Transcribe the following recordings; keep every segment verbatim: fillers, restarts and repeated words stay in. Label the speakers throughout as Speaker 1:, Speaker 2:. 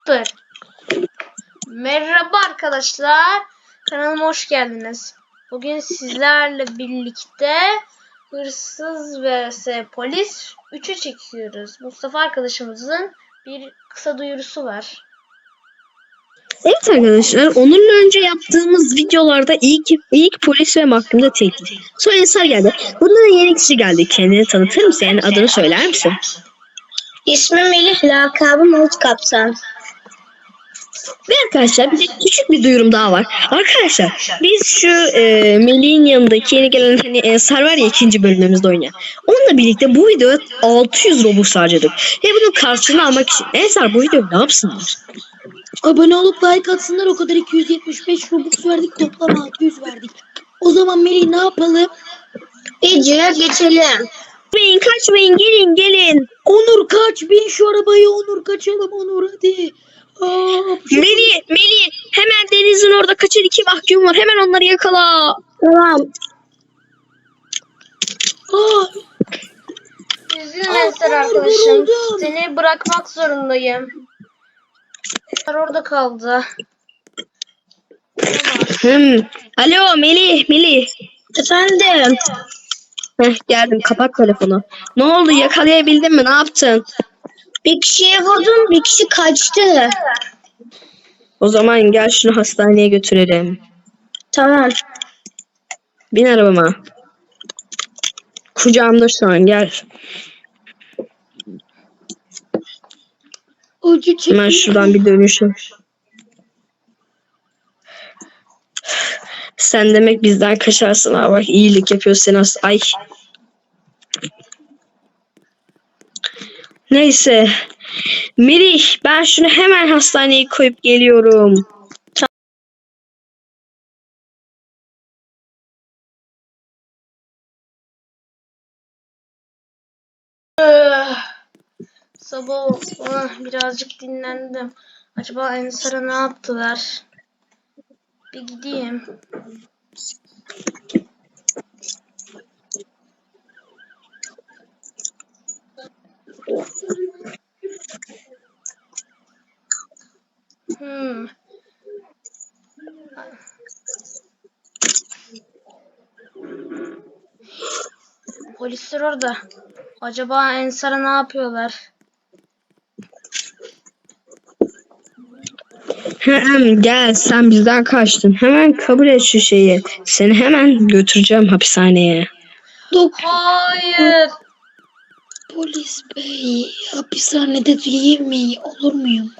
Speaker 1: Dur. Merhaba arkadaşlar. Kanalıma hoş geldiniz. Bugün sizlerle birlikte hırsız vs polis üçü çekiyoruz. Mustafa arkadaşımızın bir kısa duyurusu var.
Speaker 2: Evet arkadaşlar, onunla önce yaptığımız videolarda ilk ilk polis ve mahkumda tekti. Sonra Ensar geldi. Bunda da yeni kişi geldi. Kendini tanıtır mısın? Yani adını söyler misin?
Speaker 3: İsmim Melih, lakabım Umut Kaptan.
Speaker 2: Ve arkadaşlar bir de küçük bir duyurum daha var. Arkadaşlar biz şu e, Melih'in yanındaki yeni gelen hani Ensar var ya, ikinci bölümümüzde oynayan. Onunla birlikte bu videoya altı yüz Robux harcadık. Ve bunun karşılığını almak için Ensar bu videoyu ne yapsınlar?
Speaker 4: Abone olup like atsınlar, o kadar iki yüz yetmiş beş Robux verdik, toplam altı yüz verdik. O zaman Melih ne yapalım?
Speaker 3: Videoya geçelim.
Speaker 2: Kaçmayın kaçmayın, gelin gelin.
Speaker 4: Onur kaç, bin şu arabayı, Onur kaçalım Onur hadi. Aa, şu-
Speaker 2: Melih, Melih hemen denizin orada kaçan iki mahkum var. Hemen onları yakala.
Speaker 3: Tamam.
Speaker 4: Aa,
Speaker 1: Üzgünüm
Speaker 4: Aa,
Speaker 1: Ensar
Speaker 4: Onur,
Speaker 1: arkadaşım.
Speaker 4: vuruldum.
Speaker 1: Seni bırakmak zorundayım. Ensar orada kaldı.
Speaker 2: Hmm. Alo Melih, Melih.
Speaker 3: Efendim.
Speaker 2: Heh, geldim, kapat telefonu. Ne oldu, yakalayabildin mi, ne yaptın?
Speaker 3: Bir kişiye vurdum, bir kişi kaçtı.
Speaker 2: O zaman gel şunu hastaneye götürelim.
Speaker 3: Tamam.
Speaker 2: Bin arabama. Kucağımda şu an, gel.
Speaker 4: acı çekiyor.
Speaker 2: Hemen şuradan bir dönüşüm. Sen demek bizden kaçarsın ha, bak iyilik yapıyorsun as. Ay. Neyse. Melih, ben şunu hemen hastaneye koyup geliyorum.
Speaker 1: Öh. Sabah oldu. Birazcık dinlendim. Acaba Ensar'a ne yaptılar? Bir gideyim. Hmm. Polisler orada. Acaba Ensar'a ne yapıyorlar?
Speaker 2: Hem gel, sen bizden kaçtın. Hemen kabul et şu şeyi. Seni hemen götüreceğim hapishaneye.
Speaker 4: Doktor,
Speaker 1: Hayır.
Speaker 4: polis bey, hapishanede değil mi? Olur muyum?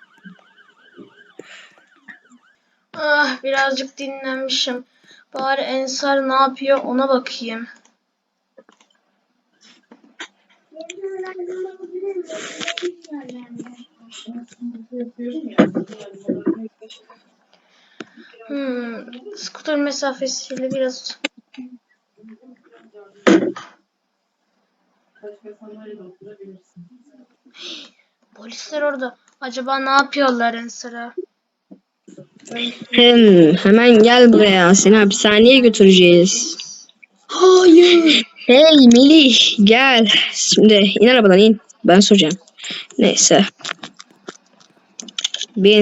Speaker 1: Ah, birazcık dinlenmişim. Bari Ensar ne yapıyor ona bakayım. Hmm, skuter mesafesiyle biraz. Polisler orada. Acaba ne yapıyorlar Ensar'a?
Speaker 2: Hem hemen gel buraya. Seni hapishaneye götüreceğiz.
Speaker 4: Hayır.
Speaker 2: Hey Melih, gel. Şimdi in arabadan, in. Ben soracağım. Neyse. Bin.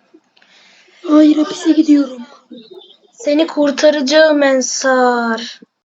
Speaker 4: Hayır, hapise gidiyorum.
Speaker 1: Seni kurtaracağım Ensar.